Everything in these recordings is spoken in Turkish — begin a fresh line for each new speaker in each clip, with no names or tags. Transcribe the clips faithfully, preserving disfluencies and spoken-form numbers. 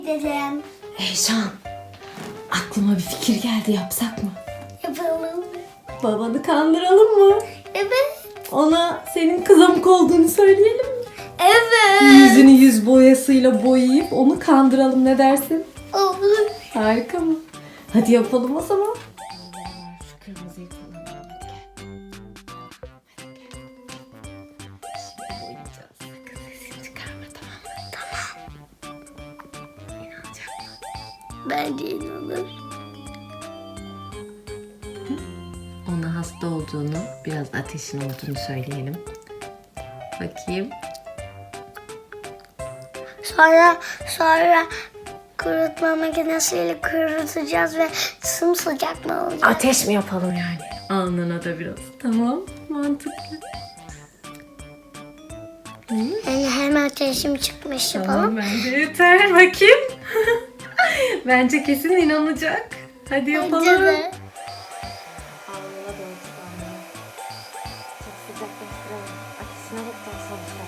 Dedem.
Eyşan, aklıma bir fikir geldi, yapsak mı?
Yapalım.
Babanı kandıralım mı?
Evet.
Ona senin kızamık olduğunu söyleyelim mi?
Evet.
Yüzünü yüz boyasıyla boyayıp onu kandıralım, ne dersin?
Olur.
Harika mı? Hadi yapalım o zaman. Şu kırmızıyı kullanalım. Hadi gel. Hadi gel. Şimdi boyayacağız. Sakın sesini çıkarma, tamam mı? Tamam. İnanacak mı?
Bence inanır.
Ona hasta olduğunu, biraz ateşin olduğunu söyleyelim. Bakayım.
Sonra sonra kurutma makinesiyle kurutacağız ve sımsıcak mı olacak?
Ateş mi yapalım yani? Alnına da biraz. Tamam, mantıklı.
Yani hem ateşim çıkmış
Tamam,
yapalım.
bence yeter. Bakayım. Bence kesin inanacak. Hadi yapalım.
Bence de.
Alnına doğru tut alnına. Çok sıcaklaştıralım. Ateşine bakacağız sonuçta.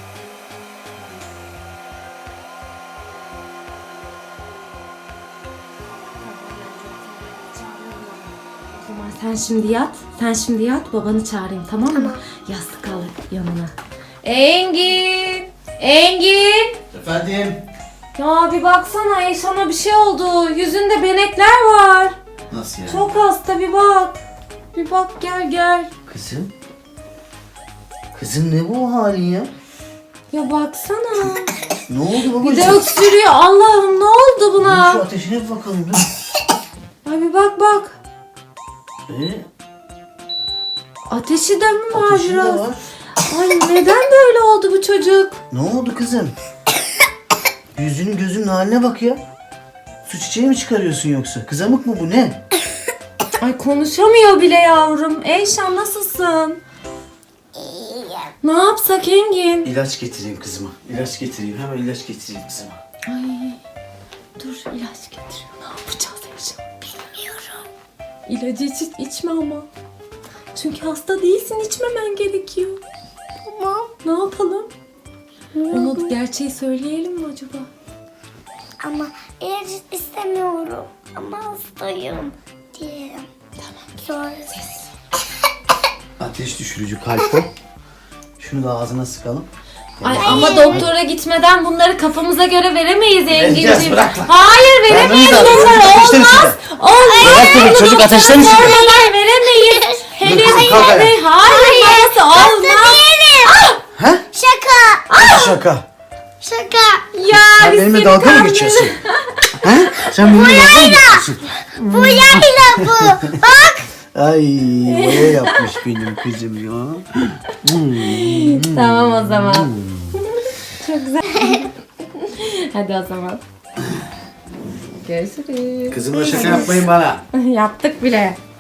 O zaman sen şimdi yat. Sen şimdi yat. Babanı çağırayım, tamam mı?
Tamam.
Yastık al yanına. Engin! Engin!
Efendim?
Ya bir baksana, Eyşan'a bir şey oldu. Yüzünde benekler var.
Nasıl yani?
Çok hasta, bir bak. Bir bak, gel gel.
Kızım? Kızım ne bu halin ya?
Ya baksana.
Ne oldu babacığım?
Bir de öksürüyor. Allah'ım, ne oldu
Dur, Şu
buna?
ateşine bir bakalım ya.
Ay bir bak bak.
Ee,
Ateşi de mi var
ateşin de
biraz?
var.
Ay neden böyle oldu bu çocuk?
Ne oldu kızım? Yüzünün gözünün haline bak ya. Su çiçeği mi çıkarıyorsun yoksa? Kızamık mı bu, ne?
Ay konuşamıyor bile yavrum. Eyşan, nasılsın?
İyiyim.
Ne yapsak Engin?
İlaç getireyim kızıma. İlaç getireyim. Hemen ilaç getireyim kızıma.
Ay dur, ilaç getiriyor. Ne yapacağız Eyşan?
Bilmiyorum.
İlacı iç, içme ama. Çünkü hasta değilsin, içmemen gerekiyor.
Tamam.
Ne yapalım? Ona gerçeği söyleyelim mi acaba?
Ama ilaç istemiyorum. Ama hastayım diyelim.
Tamam.
Sonra
Ateş düşürücü kalp o. Şunu da ağzına sıkalım.
Ay ama doktora gitmeden bunları kafamıza göre veremeyiz
Vereceğiz,
Engin'ciğim.
bırak.
Hayır, veremeyiz
Vermemiz lazım.
bunları,
Çocuk ateşten
olmaz.
içinde.
Olmaz.
Bırak beni, çocuk
Doktora
ateşten içinde.
sormadan veremeyiz. Henüz
kızım, kalk ayağa.
hayır, hayır, babası olmaz.
He?
şaka.
Nasıl şaka?
Şaka.
Ya
Sen
biz
benimle
seni
dalga mı
kandırdık.
geçiyorsun? He? Sen benimle dalga mı geçiyorsun?
Bu yayla bu. Bak.
Ay, boya yapmış benim kızım ya.
Tamam o zaman. Çok güzel. Hadi o zaman. Görüşürüz.
Kızımla şaka yapmayın bana.
Yaptık bile.